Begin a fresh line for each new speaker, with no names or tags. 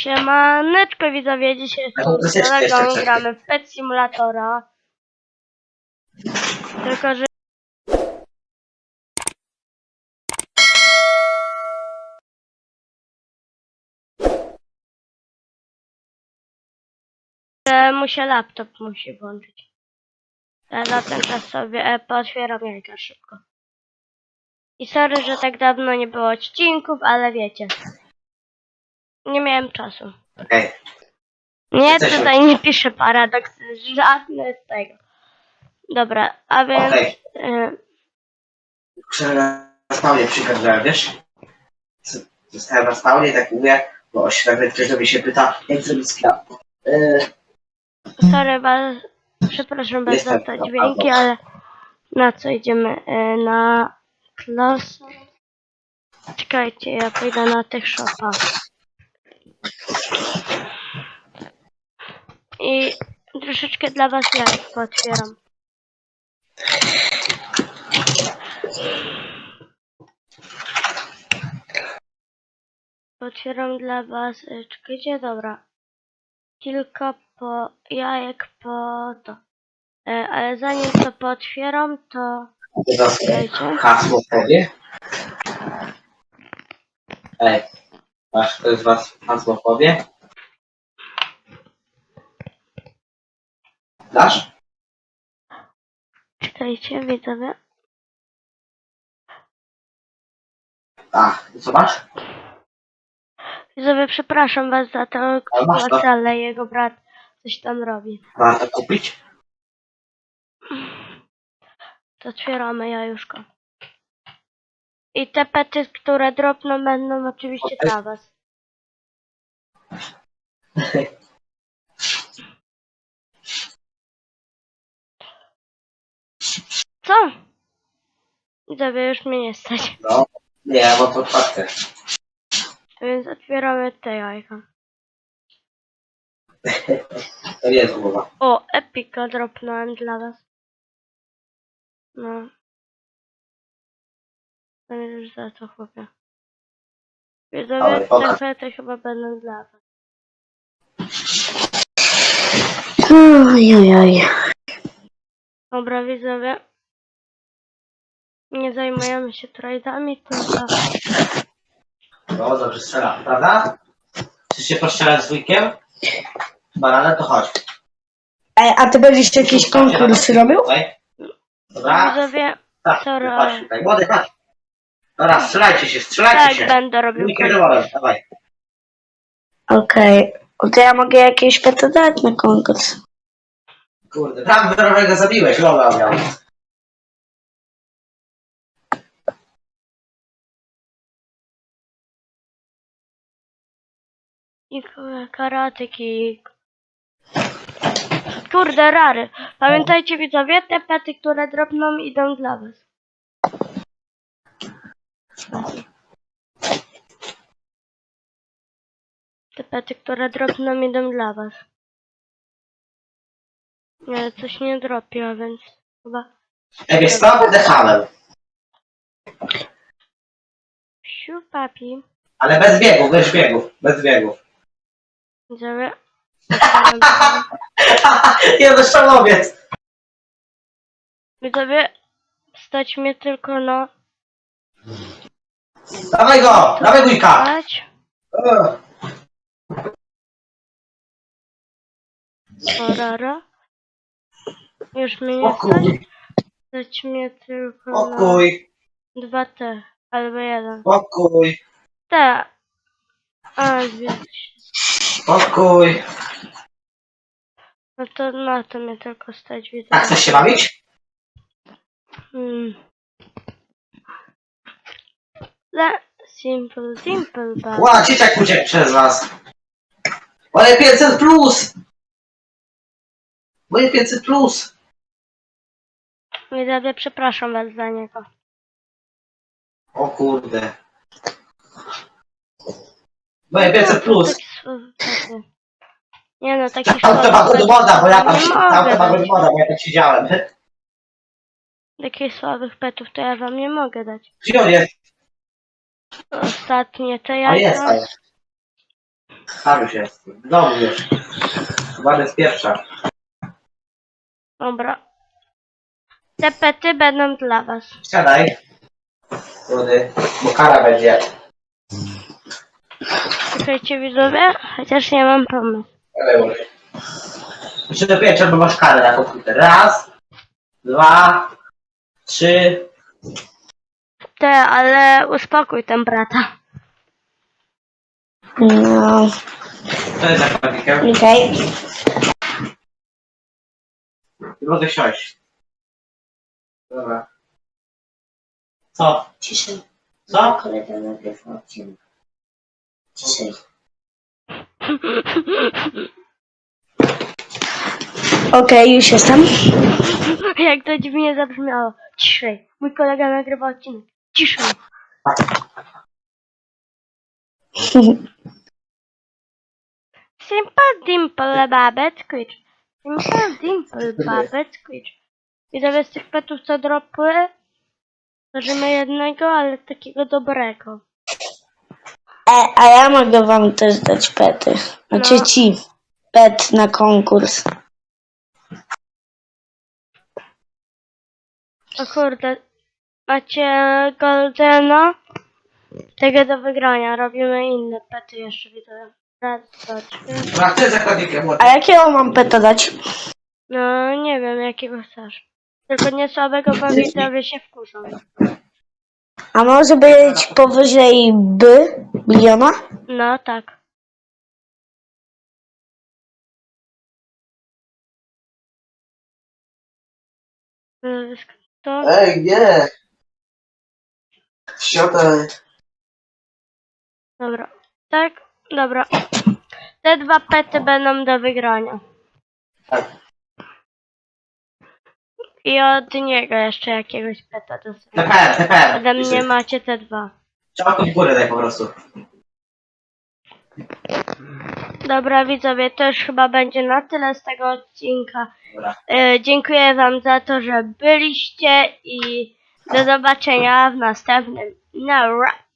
Siemaneczko widzowie, dzisiaj jestem z kolegą, gramy w Pet Simulatora. Tylko, że mu się laptop musi włączyć. Ja za ten czas sobie pootwieram jajka szybko. I sorry, że tak dawno nie było odcinków, ale wiecie. Nie miałem czasu.
Okej.
Nie, tutaj nie piszę paradoks, żadne z tego. Dobra, a więc...
Muszę na spawnie przykazałem, wiesz? Zostałem na spawnie, tak mówię, bo nagle ktoś do mnie się pyta, jak zrobić sklep.
Sorry was, przepraszam was za te dźwięki, ale na co idziemy? Na klasę. Czekajcie, ja pójdę na tych shopa. I troszeczkę dla was jajek otwieram. Otwieram dla was, czekajcie, dobra. Kilka jajek po to. Ale zanim to pootwieram, to... Czekajcie.
Hasło powie. Ej, masz ktoś z was hasło powie? Dasz?
Czekajcie, widzowie.
A, co masz?
Widzowie, przepraszam was za tę sytuację, ale jego brat coś tam robi.
Warto kupić?
To otwieramy jajuszko. I te pety, które dropną, będą oczywiście dla was. Co? Widzowie, już mnie nie stać.
No, nie, bo to otwarte.
Więc otwieramy te jajka.
To nie jest głowa.
O, epika dropnąłem dla was. No. To już za to chłopie. Widzowie, te pety chyba będą dla was.
Ojojoj.
Dobra, widzowie. Nie zajmujemy się trade'ami, tylko...
No, dobrze strzela, prawda? Chcesz się postrzelać z wujkiem? Banana, to chodź.
A ty będziesz jakiś konkurs robił?
Dobra.
Widzowie,
Tak,
sorry.
chodź tutaj, młody, chodź. Dobra, strzelajcie
tak
się.
będę robił.
Dawaj.
Okej. To ja mogę jakieś pety dać na konkurs.
Kurde, tam wyrowego zabiłeś, Lola miał.
I karatyki. Kurde, rary. Pamiętajcie widzowie, te pety, które dropną, idą dla was. Te pety, które dropną, idą dla was. Nie, coś nie dropi, a więc chyba...
Jak jest to, będę hamem.
Siu, papi.
Ale bez biegów, bez biegów.
Widzowie.
Nie, to szczałowiec.
Widzowie, stać mnie tylko na...
Dawaj go, dawaj wujka.
Stać. Orara. Już mnie nie stać. Stać mnie tylko na...
Spokój,
2T. Albo 1.
spokój,
T. A, zwiedz się.
spokój.
No to na to mnie tylko stać, widzę.
A chcesz się bawić?
Simple, bad.
Ła, dzieciak uciekł przez was. Moje 500 plus. Moje 500 plus.
Widzowie, przepraszam was za niego.
O kurde. Moje 500 plus.
Nie no, taki
Tam to ma good moda, bo ja tam
nie
tam to ma
mogę
good moda, bo ja tam siedziałem.
takich słabych petów to ja wam nie mogę dać.
Gdzie on jest?
Ostatnie te
A jest,
jajka.
Tam już jest. W domu już. Chyba jest pierwsza.
Dobra. Te pety będą dla was.
Siadaj. Rudy, bo kara będzie.
Słuchajcie widzowie, chociaż nie mam pomysłu.
Ale Rudy. Jeszcze dopiero trzeba masz karę na komputer. Raz, dwa, trzy.
Ale uspokój ten brata.
No,
To jest za klawikiem.
okej.
Nie mogę siąść. Dobra. Co?
Ciszej.
Co?
Kolega nagrywa odcinek. Ciszej. Okej, już jestem.
Jak to dziwnie zabrzmiało. Ciszej. Mój kolega nagrywa odcinek. Ciszej. Simple dimple babet quitch. Simple dimple babet quitch. Widzowie z tych petów co dropły? Tworzymy jednego, ale takiego dobrego.
A ja mogę wam też dać pety. Znaczy
No.
ci pet na konkurs.
O kurde. Macie Goldena? Tego do wygrania. Robimy inne pety jeszcze widzowie. Raz, dwa, trzy.
A ty zakładnikiem
A jakiego mam peta dać?
No nie wiem jakiego chcesz. Tylko nie słabego, bo widzowie się wkurzą.
A może być powyżej biliona?
No tak. To?
Ej, nie! Siadaj.
Dobra. Tak? Dobra. Te dwa pety będą do wygrania.
Tak.
I od niego jeszcze jakiegoś peta do wygrania.
TPR, TPR.
Ode mnie macie te dwa.
Trzeba tu w górę daj po prostu.
Dobra widzowie, to już chyba będzie na tyle z tego odcinka.
Dobra.
Dziękuję wam za to, że byliście i do zobaczenia w następnym. No,